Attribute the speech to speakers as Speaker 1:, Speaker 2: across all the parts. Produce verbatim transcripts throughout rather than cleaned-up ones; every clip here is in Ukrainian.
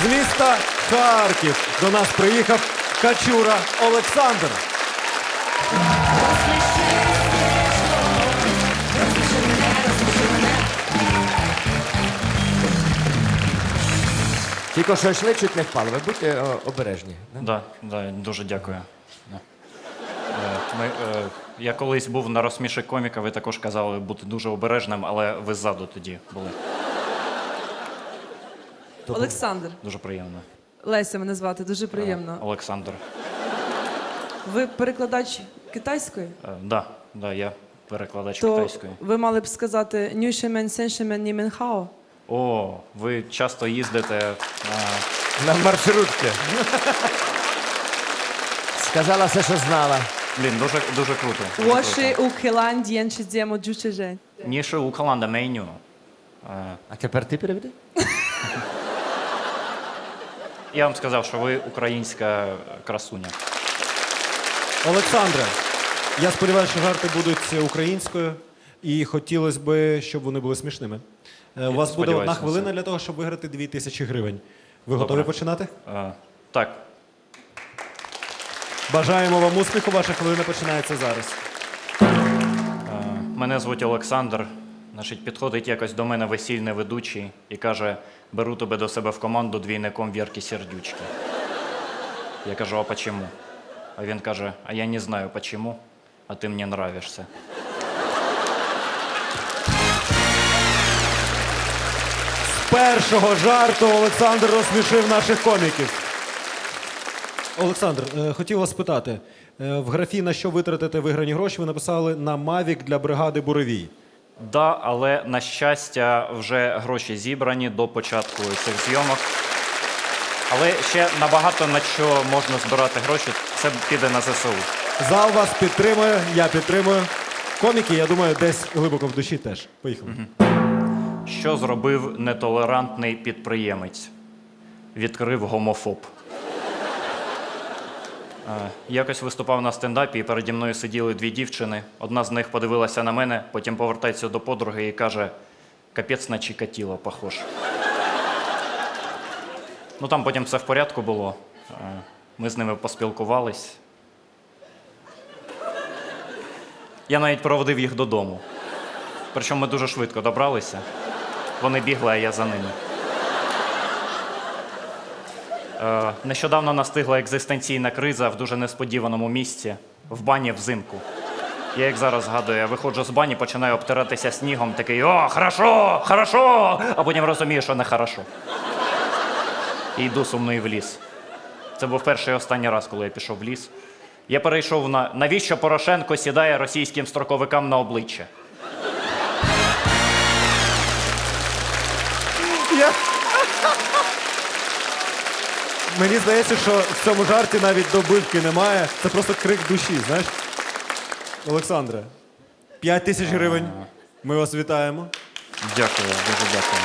Speaker 1: З міста Харків до нас приїхав Качура Олександр.
Speaker 2: Тільки що йшли, чуть не впали. Ви будьте о, обережні.
Speaker 3: Да, да, дуже дякую. Да. Е, Ми, е, я колись був на розсміші коміка, ви також казали бути дуже обережним, але ви ззаду тоді були.
Speaker 4: Олександр,
Speaker 3: Дуже приємно.
Speaker 4: Леся мене звати, дуже приємно.
Speaker 3: Е, Олександр.
Speaker 4: Ви перекладач китайської?
Speaker 3: Е, Да, да, я перекладач
Speaker 4: То
Speaker 3: китайської.
Speaker 4: ви мали б сказати «Нюшемен сеншемен німенхао».
Speaker 3: О, ви часто їздите. е,
Speaker 2: На маршрутці. Сказала все, що знала.
Speaker 3: Блін, дуже, дуже круто. дуже
Speaker 4: «Воши
Speaker 3: круто.
Speaker 4: у келан д'єнші дзємо джучежень».
Speaker 3: Ніше у Каланда меню. Е,
Speaker 2: А тепер ти переведи?
Speaker 3: Я вам сказав, що ви українська красуня.
Speaker 1: Олександре, я сподіваюся, що жарти будуть українською, і хотілося б, щоб вони були смішними. Е, У вас буде
Speaker 3: сподіваюся
Speaker 1: одна
Speaker 3: на
Speaker 1: хвилина
Speaker 3: це.
Speaker 1: для того, щоб виграти дві тисячі гривень. Ви готові
Speaker 3: Добре.
Speaker 1: починати?
Speaker 3: Е, Так,
Speaker 1: Бажаємо вам успіху, ваша хвилина починається зараз.
Speaker 3: мене звуть Олександр. Значить, підходить якось до мене весільний ведучий і каже: беру тебе до себе в команду двійником Вірки Сердючки. Я кажу: а почему? А він каже: а я не знаю почему, а ти мені нравишся.
Speaker 1: З першого жарту Олександр розсмішив наших коміків. Олександр, е, хотів вас спитати. Е, В графі «На що витратите виграні гроші» ви написали «на Мавік для бригади Буревій».
Speaker 3: Да, але, на щастя, вже гроші зібрані до початку цих зйомок. Але ще набагато на що можна збирати гроші, це піде на зе се у.
Speaker 1: Зал вас підтримує, я підтримую. Коміки, я думаю, десь глибоко в душі теж. Поїхали.
Speaker 3: Що зробив нетолерантний підприємець? Відкрив гомофоб. Е, Якось виступав на стендапі, і переді мною сиділи дві дівчини. Одна з них подивилася на мене, потім повертається до подруги і каже: капець на Чикатіло похож. Ну там потім все в порядку було. Е, Ми з ними поспілкувались. Я навіть проводив їх додому. Причому ми дуже швидко добралися. Вони бігли, а я за ними. Е, Нещодавно настигла екзистенційна криза в дуже несподіваному місці – в бані взимку. Я, як зараз згадую, я виходжу з бані, починаю обтиратися снігом, такий: о, хорошо, хорошо! А потім розумію, що не хорошо. І йду сумний в ліс. Це був перший і останній раз, коли я пішов в ліс. Я перейшов на «Навіщо Порошенко сідає російським строковикам на обличчя?»
Speaker 1: Я... Мені здається, що в цьому жарті навіть добивки немає. Це просто крик душі, знаєш? Олександре, п'ять тисяч гривень. Ми вас вітаємо.
Speaker 3: Дякую, дуже дякую.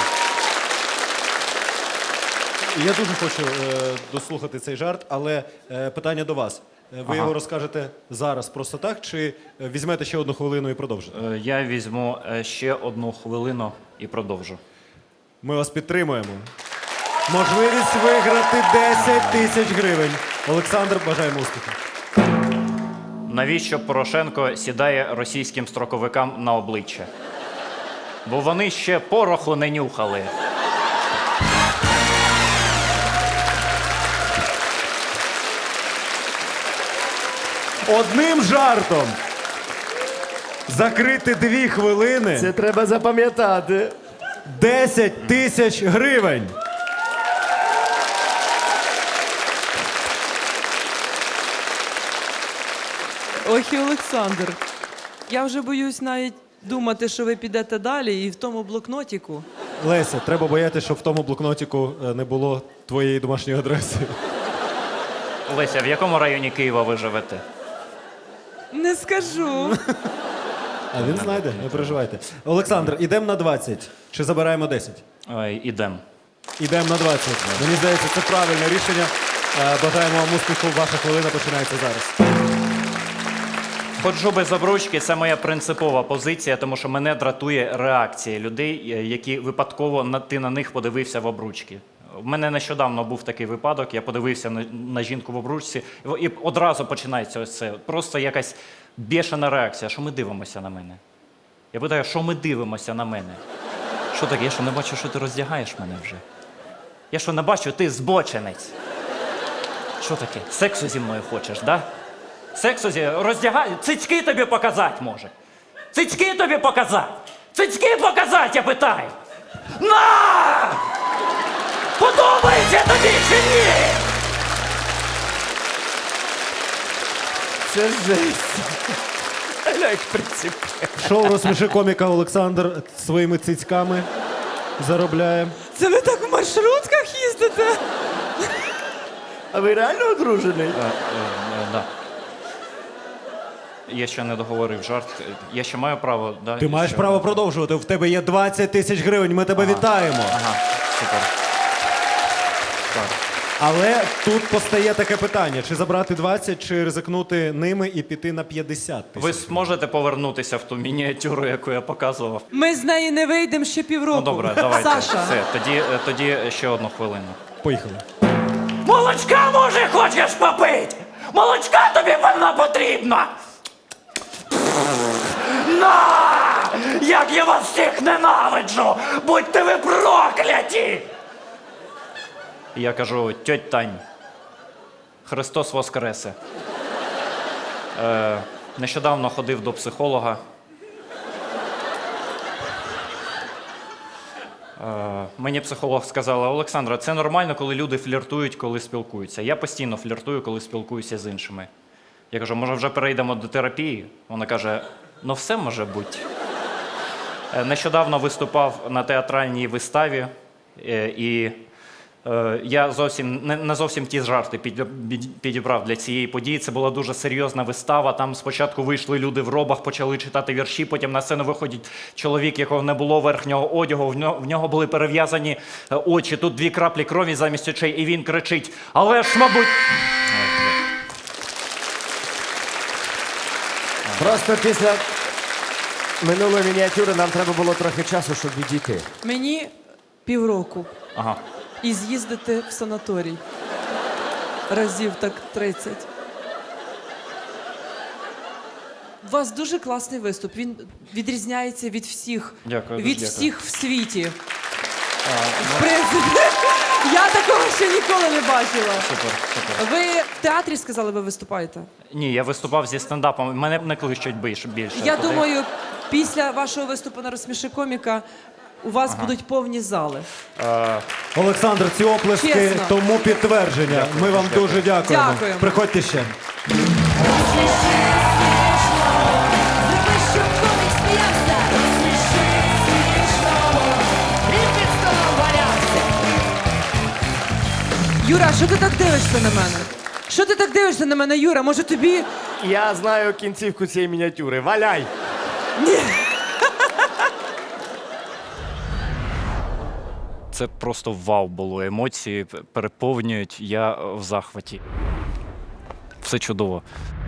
Speaker 1: Я дуже хочу е, дослухати цей жарт, але е, питання до вас. Е, Ви
Speaker 3: Ага.
Speaker 1: його розкажете зараз просто так, чи е, візьмете ще одну хвилину і продовжите?
Speaker 3: Е, Я візьму е, ще одну хвилину і продовжу.
Speaker 1: Ми вас підтримуємо. Можливість виграти десять тисяч гривень. Олександр, бажаємо успіху.
Speaker 3: Навіщо Порошенко сідає російським строковикам на обличчя? Бо вони ще пороху не нюхали.
Speaker 1: Одним жартом закрити дві хвилини.
Speaker 2: Це треба запам'ятати.
Speaker 1: десять тисяч гривень.
Speaker 4: Ох і Олександр. Я вже боюсь навіть думати, що ви підете далі і в тому блокнотіку.
Speaker 1: Леся, треба боятися, щоб в тому блокнотику е, не було твоєї домашньої адреси.
Speaker 3: Леся, в якому районі Києва ви живете?
Speaker 4: Не скажу.
Speaker 1: А він знайде, не переживайте. Олександр, ідемо на двадцять. Чи забираємо десять?
Speaker 3: Ой, ідем.
Speaker 1: Ідемо на двадцять. Мені здається, це правильне рішення. Е, Бажаємо вам успіху. Ваша хвилина починається зараз.
Speaker 3: Ходжу без обручки – це моя принципова позиція, тому що мене дратує реакція людей, е, які випадково на, ти на них подивився в обручки. В мене нещодавно був такий випадок, я подивився на, на жінку в обручці, і і одразу починається ось це. Просто якась бешена реакція. Що ми дивимося на мене? Я питаю, що ми дивимося на мене? Що таке? Я що не бачу, що ти роздягаєш мене вже? Я що не бачу, ти збоченець. Що таке? Сексу зі мною хочеш, да? Сексу зі роздягай, цицьки тобі показати може. Цицьки тобі показати. Цицьки показати, я питаю. На! Подобається тобі чи ні?
Speaker 2: Це жесть. Аля, як принцип.
Speaker 1: Шоу «Розсміши коміка» Олександр своїми цицьками заробляє.
Speaker 4: Це ви так в маршрутках їздите?
Speaker 2: А ви реально одружений?
Speaker 3: Е, да. Я ще не договорив жарт. Я ще маю право, да?
Speaker 1: Ти маєш
Speaker 3: ще-
Speaker 1: право продовжувати. В тебе є двадцять тисяч гривень. Ми тебе вітаємо.
Speaker 3: Ага, супер. Так.
Speaker 1: Але тут постає таке питання: чи забрати двадцять, чи ризикнути ними і піти на п'ятдесят
Speaker 3: Ви
Speaker 1: тисяч?
Speaker 3: зможете повернутися в ту мініатюру, яку я показував?
Speaker 4: Ми з неї не вийдемо ще півроку.
Speaker 3: Ну добре, давайте.
Speaker 4: Саша,
Speaker 3: Все, тоді, е, тоді ще одну хвилину.
Speaker 1: Поїхали.
Speaker 3: Молочка, може, хочеш попити? Молочка тобі вона потрібна! На! Як я вас всіх ненавиджу! Будьте ви прокляті! Я кажу, тьоть Тань, Христос воскресе. Е, нещодавно ходив до психолога. Е, мені психолог сказала: Олександра, це нормально, коли люди фліртують, коли спілкуються. Я постійно фліртую, коли спілкуюся з іншими. Я кажу, може вже перейдемо до терапії? Вона каже, ну все може бути. Е, нещодавно виступав на театральній виставі, е, і е, я зовсім не, не зовсім ті жарти під- під- підібрав для цієї події. Це була дуже серйозна вистава. Там спочатку вийшли люди в робах, почали читати вірші, потім на сцену виходить чоловік, якого не було верхнього одягу, в нього, в нього були перев'язані е, очі, тут дві краплі крові замість очей, і він кричить: але ж, мабуть.
Speaker 2: Просто після минулої мініатюри нам треба було трохи часу, щоб відійти.
Speaker 4: мені півроку.
Speaker 3: Ага.
Speaker 4: І з'їздити в санаторій. Разів так тридцять. У вас дуже класний виступ. Він відрізняється від всіх.
Speaker 3: Дякую,
Speaker 4: від
Speaker 3: дуже
Speaker 4: всіх в світі.
Speaker 3: А,
Speaker 4: В принципі, я такого ще ніколи не бачила.
Speaker 3: супер, супер.
Speaker 4: Ви в театрі сказали, ви виступаєте?
Speaker 3: Ні, я виступав зі стендапом. Мене не кличуть більше. більше
Speaker 4: Я
Speaker 3: туди.
Speaker 4: думаю, після вашого виступу на «Розсміши коміка» у вас будуть повні зали.
Speaker 1: Олександр, ці оплески
Speaker 4: Чесно.
Speaker 1: тому підтвердження. Ми вам дуже дякуємо.
Speaker 4: Дякуємо.
Speaker 1: Приходьте ще.
Speaker 5: Зроби, щоб комік сміявся. Він під столом валявся.
Speaker 4: Юра, що ти так дивишся на мене? Що ти так дивишся на мене, Юра? Може тобі...
Speaker 2: Я знаю кінцівку цієї мініатюри. Валяй!
Speaker 3: Це просто вау було. Емоції переповнюють. Я в захваті. Все чудово.